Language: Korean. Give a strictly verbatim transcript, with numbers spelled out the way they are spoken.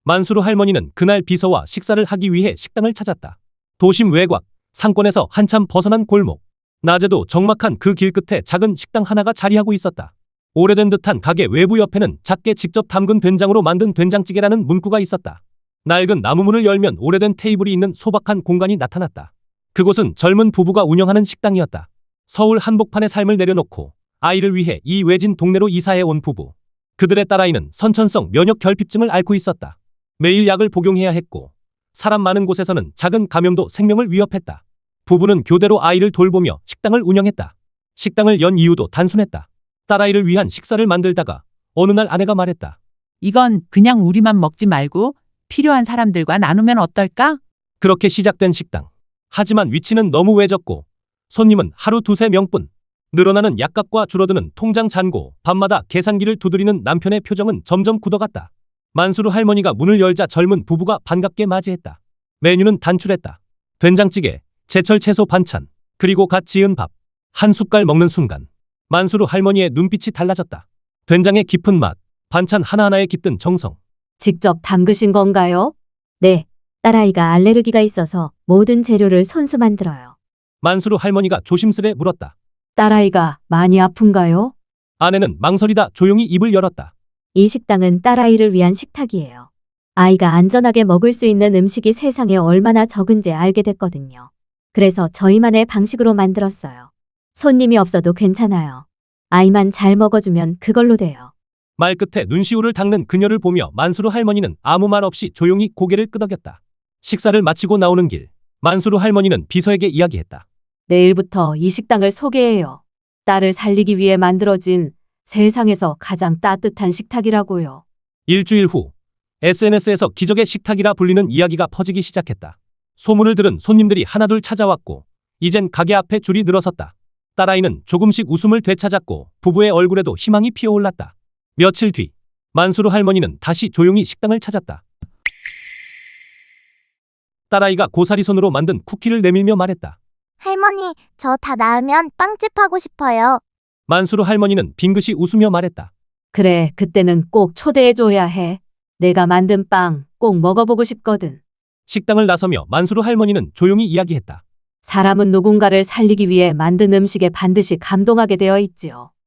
만수르 할머니는 그날 비서와 식사를 하기 위해 식당을 찾았다. 도심 외곽, 상권에서 한참 벗어난 골목. 낮에도 적막한 그 길 끝에 작은 식당 하나가 자리하고 있었다. 오래된 듯한 가게 외부 옆에는 작게 직접 담근 된장으로 만든 된장찌개라는 문구가 있었다. 낡은 나무 문을 열면 오래된 테이블이 있는 소박한 공간이 나타났다. 그곳은 젊은 부부가 운영하는 식당이었다. 서울 한복판의 삶을 내려놓고 아이를 위해 이 외진 동네로 이사해 온 부부. 그들의 딸아이는 선천성 면역 결핍증을 앓고 있었다. 매일 약을 복용해야 했고 사람 많은 곳에서는 작은 감염도 생명을 위협했다. 부부는 교대로 아이를 돌보며 식당을 운영했다. 식당을 연 이유도 단순했다. 딸아이를 위한 식사를 만들다가 어느 날 아내가 말했다. 이건 그냥 우리만 먹지 말고 필요한 사람들과 나누면 어떨까? 그렇게 시작된 식당. 하지만 위치는 너무 외졌고 손님은 하루 두세 명뿐. 늘어나는 약값과 줄어드는 통장 잔고, 밤마다 계산기를 두드리는 남편의 표정은 점점 굳어갔다. 만수르 할머니가 문을 열자 젊은 부부가 반갑게 맞이했다. 메뉴는 단출했다. 된장찌개, 제철 채소 반찬, 그리고 갓 지은 밥. 한 숟갈 먹는 순간 만수르 할머니의 눈빛이 달라졌다. 된장의 깊은 맛, 반찬 하나하나에 깃든 정성. 직접 담그신 건가요? 네, 딸아이가 알레르기가 있어서 모든 재료를 손수 만들어요. 만수르 할머니가 조심스레 물었다. 딸아이가 많이 아픈가요? 아내는 망설이다 조용히 입을 열었다. 이 식당은 딸아이를 위한 식탁이에요. 아이가 안전하게 먹을 수 있는 음식이 세상에 얼마나 적은지 알게 됐거든요. 그래서 저희만의 방식으로 만들었어요. 손님이 없어도 괜찮아요. 아이만 잘 먹어주면 그걸로 돼요. 말끝에 눈시울을 닦는 그녀를 보며 만수르 할머니는 아무 말 없이 조용히 고개를 끄덕였다. 식사를 마치고 나오는 길, 만수르 할머니는 비서에게 이야기했다. 내일부터 이 식당을 소개해요. 딸을 살리기 위해 만들어진 세상에서 가장 따뜻한 식탁이라고요. 일주일 후 에스엔에스에서 기적의 식탁이라 불리는 이야기가 퍼지기 시작했다. 소문을 들은 손님들이 하나둘 찾아왔고 이젠 가게 앞에 줄이 늘어섰다. 딸아이는 조금씩 웃음을 되찾았고 부부의 얼굴에도 희망이 피어올랐다. 며칠 뒤 만수르 할머니는 다시 조용히 식당을 찾았다. 딸아이가 고사리 손으로 만든 쿠키를 내밀며 말했다. 할머니, 저 다 나으면 빵집 하고 싶어요. 만수르 할머니는 빙긋이 웃으며 말했다. 그래, 그때는 꼭 초대해줘야 해. 내가 만든 빵 꼭 먹어보고 싶거든. 식당을 나서며 만수르 할머니는 조용히 이야기했다. 사람은 누군가를 살리기 위해 만든 음식에 반드시 감동하게 되어 있지요.